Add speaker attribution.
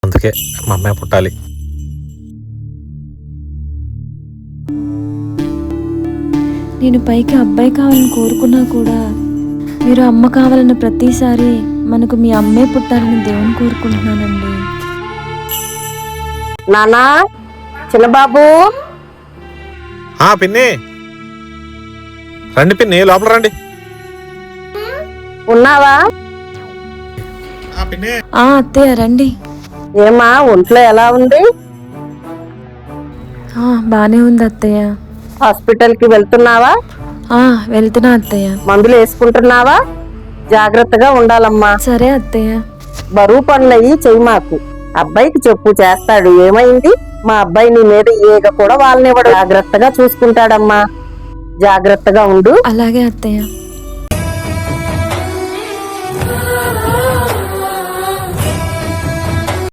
Speaker 1: అందుకే మా అమ్మాయి పుట్టాలి.
Speaker 2: నేను పైకి అబ్బాయి కావాలని కోరుకున్నా కూడా మీరు అమ్మ కావాలన్న ప్రతిసారి మనకు మీ అమ్మే పుట్టాలని దేవుని కోరుకుంటున్నానండి.
Speaker 3: నానా, చిన్నబాబు,
Speaker 1: పిన్ని రండి, పిన్ని లోపల రండి.
Speaker 3: ఉన్నావా?
Speaker 2: అత్తయ్య రండి.
Speaker 3: ఏమా ఒంట్లో ఎలా ఉంది?
Speaker 2: బానే ఉంది అత్తయ్య.
Speaker 3: హాస్పిటల్కి వెళ్తున్నావా?
Speaker 2: వెళ్తున్నా అత్తయ్య.
Speaker 3: మందులు వేసుకుంటున్నావా? జాగ్రత్తగా ఉండాలమ్మా.
Speaker 2: సరే అత్తయ్య.
Speaker 3: బరువు పనులయ్యి చెయ్యి మాకు. అబ్బాయికి చెప్పు, చేస్తాడు. ఏమైంది? మా అబ్బాయి నీ మీద ఈగ కూడా వాళ్ళనివ్వడు. జాగ్రత్తగా చూసుకుంటాడమ్మా. జాగ్రత్తగా ఉండు.
Speaker 2: అలాగే అత్తయ్య.